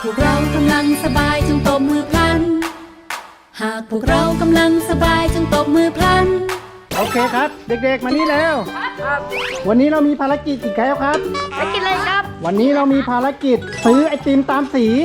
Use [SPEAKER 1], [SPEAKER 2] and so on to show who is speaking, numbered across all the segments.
[SPEAKER 1] พวกเรากำลังสบายจงตบมือพลันหากพวกเรากำลังสบายจงตบมือพลัน
[SPEAKER 2] โอเคครับเด็กๆมานี่แล้ววันนี้เรามีภารกิจอีกแล้วครับ
[SPEAKER 3] ภารกิจอะไรครับ
[SPEAKER 2] วันนี้เรามีภารกิจซื้อไอติมตามสี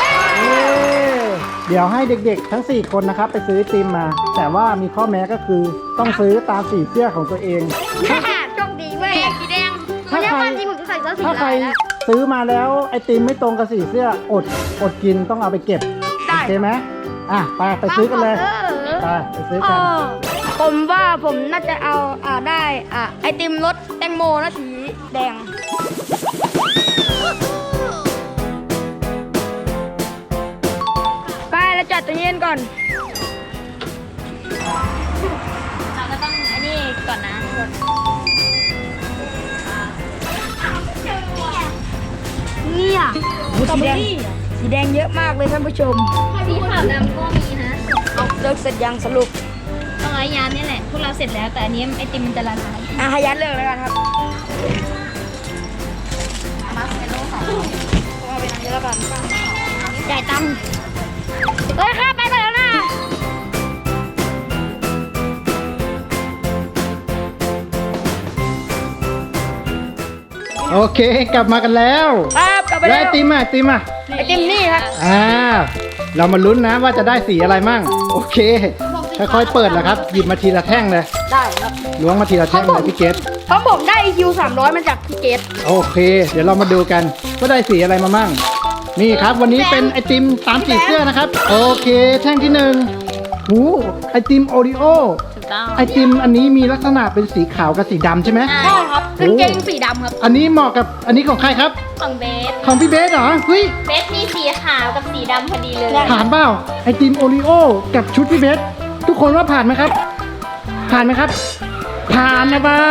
[SPEAKER 2] เดี๋ยวให้เด็กๆทั้ง4คนนะครับไปซื้อไอติมมาแต่ว่ามีข้อแม้ก็คือต้องซื้อตามสีเสื้อของตัวเอง
[SPEAKER 3] โชคดีเว้ยสีแดง
[SPEAKER 2] ถ้าใครซื้อมาแล้วไอติมไม่ตรงกับสีเสื้ออดกินต้องเอาไปเก็บโอเคไหมไปซื้อกันเลยไปซื้อกัน
[SPEAKER 3] ผมว่าผมน่าจะเอาได้ไอติมรสแตงโมนะสีแดงไปแล้วจัดตัวเย็นก่อน
[SPEAKER 4] เราก็ต้องอันนี้ก่อนนะ
[SPEAKER 3] เนี่ยสีแดงเยอะมากเลยท่านผู้ชม
[SPEAKER 4] สีขาวดำก็มีนะ
[SPEAKER 3] เอาเลิกเสร็จยังสรุป
[SPEAKER 4] ต้องไอ้ยานนี่แหละพวกเราเสร็จแล้วแต่อันนี้ไอติมมันจะละลาย
[SPEAKER 3] ให้ยัดเลิกแล้วกันครับ
[SPEAKER 4] มาเป็นโลสอง
[SPEAKER 3] เอาไปทำเยอะแล้วกันจ่ายตังค์ค่ะไปแล้วนะ
[SPEAKER 2] โอเคกลับมากันแล้ว
[SPEAKER 3] ครับกลับไปแล้ว
[SPEAKER 2] ไอติมไอติม
[SPEAKER 3] นี่ครับ
[SPEAKER 2] เรามาลุ้นนะว่าจะได้สีอะไรมั่งโอเคค่อยๆเปิดแล้วครับหยิบมาทีละแท่งเลย
[SPEAKER 3] ได้ครับ
[SPEAKER 2] ล้วงมาทีละแท่งเลยพี่เกด
[SPEAKER 3] เพราะผมได้ EQ 300มาจากพี่เกด
[SPEAKER 2] โอเคเดี๋ยวเรามาดูกันว่าได้สีอะไรมามั่งนี่ครับวันนี้เป็นไอติมตามสีเสื้อนะครับโอเคแท่งที่1หูไอติมโอริโอไอติมอันนี้มีลักษณะเป็นสีขาวกับสีดำใช่ไหม
[SPEAKER 3] ใช่ครับกางเกงสีดำครับ
[SPEAKER 2] อันนี้เหมาะกับอันนี้ของใครครับ
[SPEAKER 4] ของเบส
[SPEAKER 2] ของพี่เบสเหรอเฮ้ย
[SPEAKER 4] เบสมีสีขาวกับสีดำพอดีเลย
[SPEAKER 2] ผ่านเปล่าไอติมโอริโอกับชุดพี่เบสทุกคนว่าผ่านไหมครับผ่านไหมครับผ่านนะบ้า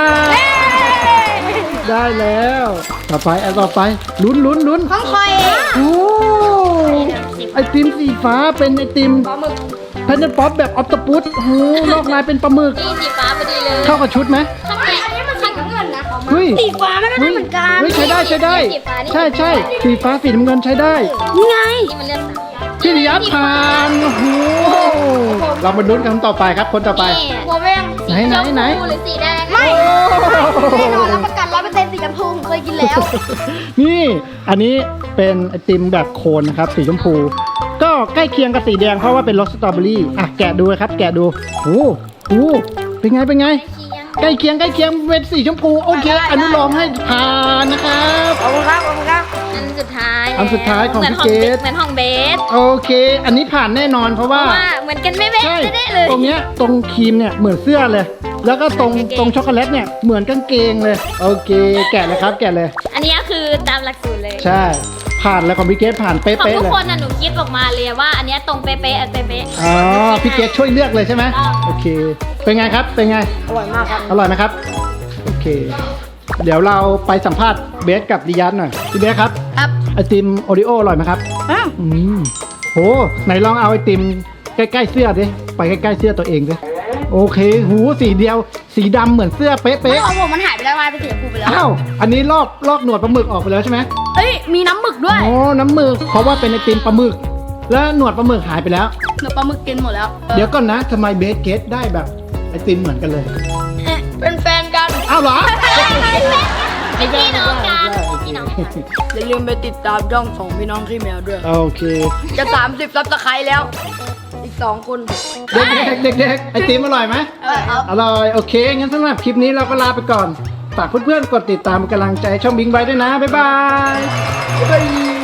[SPEAKER 2] ได้แล้วต่อไปลุ้น
[SPEAKER 3] ของคอย
[SPEAKER 2] โอ้ไอติมสีฟ้าเป็นไอติมเพนเนป๊อปแบบออฟตปุตโอ้นอกลายเป็นปลาหมึก
[SPEAKER 4] นี่สีฟ้าพอดีเลย
[SPEAKER 2] เข้ากับชุดไหม
[SPEAKER 4] อันนี้มันสีน้ำเงินนะ
[SPEAKER 3] สีฟ้าไม่ได้เหมือนกัน
[SPEAKER 2] ใช้ได้ใช่สีฟ้าสีน้ำเงินใช้ได้
[SPEAKER 3] นี่ไง
[SPEAKER 4] นี่มันเลือก
[SPEAKER 2] พี่ริยัตผ่านโอ้โหเรามาลุ้นกันต่อไปครับคนต่อไป
[SPEAKER 3] หัวแวง
[SPEAKER 4] สีชมพูหรือสีแดง
[SPEAKER 3] ไม่แน่นอนรับประกัน100%สีชมพูเคยกินแล้ว
[SPEAKER 2] นี่อันนี้เป็นไอติมแบบโคนนะครับสีชมพูก็ใกล้เคียงกับสีแดงเพราะว่าเป็นรสสตรอเบอรี่แกะดูครับแกะดูโอ้โหเป็นไงใกล้เคียงเป็นสีชมพูโอเคอนุโลมให้ผ่านนะครับ
[SPEAKER 3] ขอบคุณครับ
[SPEAKER 4] อันสุดท้าย
[SPEAKER 2] ของพี่เกด
[SPEAKER 4] เหมือนของเบส
[SPEAKER 2] โอเคอันนี้ผ่านแน่นอนเพราะว่า
[SPEAKER 4] เหมือนกันไม่เบสได้เลย
[SPEAKER 2] ตรงเนี้ยตรงครีมเนี่ยเหมือนเสื้อเลยแล้วก็ตรงช็อกโกแลตเนี่ยเหมือนกางเกงเลยโอเคแกะเลยครับแกะเลย
[SPEAKER 4] อันนี้คือตามหลักสูตรเลย
[SPEAKER 2] ใช่ผ่านแล้วของพี่เกดผ่านเป๊ะๆเลย
[SPEAKER 4] ของทุกคนหนูคิดออกมาเลยว่าอันนี้ตรงเป๊ะ
[SPEAKER 2] อ๋อพี่เกดช่วยเลือกเลยใช่ไหมโอเคเป็นไงครับเป็นไง
[SPEAKER 3] อร่อยมากครับ
[SPEAKER 2] อร่อยไหมครับโอเคเดี๋ยวเราไปสัมภาษณ์เบสกับดิยัตหน่อยพี่เบสครับไอติมโอริโออร่อยไหมครับโหไหนลองเอาไอติมใกล้ๆเสื้อดิไปใกล้ๆเสื้อตัวเองดิโอเคหูสีเดียวสีดำเหมือนเสื้อเป๊ะ
[SPEAKER 3] ๆของผมมันหายไปแล้วเป็นสีชมพูไปแล้ว
[SPEAKER 2] อ้าวอันนี้ลอกหนวดปลาหมึกออกไปแล้วใช่ไหม
[SPEAKER 3] มีน้ำหมึกด้วย
[SPEAKER 2] โอ้น้ำหมึกเพราะว่าเป็นไอติมปลาหมึกแล้วหนวดปลาหมึกหายไปแล้ว
[SPEAKER 3] หนวดปลาหมึกกินหมดแล้ว
[SPEAKER 2] เดี๋ยวก่อนนะทำไมเบสเกตได้แบบไอติมเหมือนกันเลย
[SPEAKER 3] เป็นแฟนกัน
[SPEAKER 2] อ้าวเหรอ
[SPEAKER 4] เป็นพี่น้องกัน
[SPEAKER 3] อย่าลืมไปติดตามช่องของพี่น้องขี้แมวด้วย
[SPEAKER 2] โอเค
[SPEAKER 3] จะ30 ซับสไครต์แล้วอีก2 คน
[SPEAKER 2] เด็กไอติมอร่อยไหมอร่อยโอเคงั้นสำหรับคลิปนี้เราก็ลาไปก่อนฝากเพื่อนๆกดติดตามกำลังใจช่องบิงไบด้วยนะบ๊ายบาย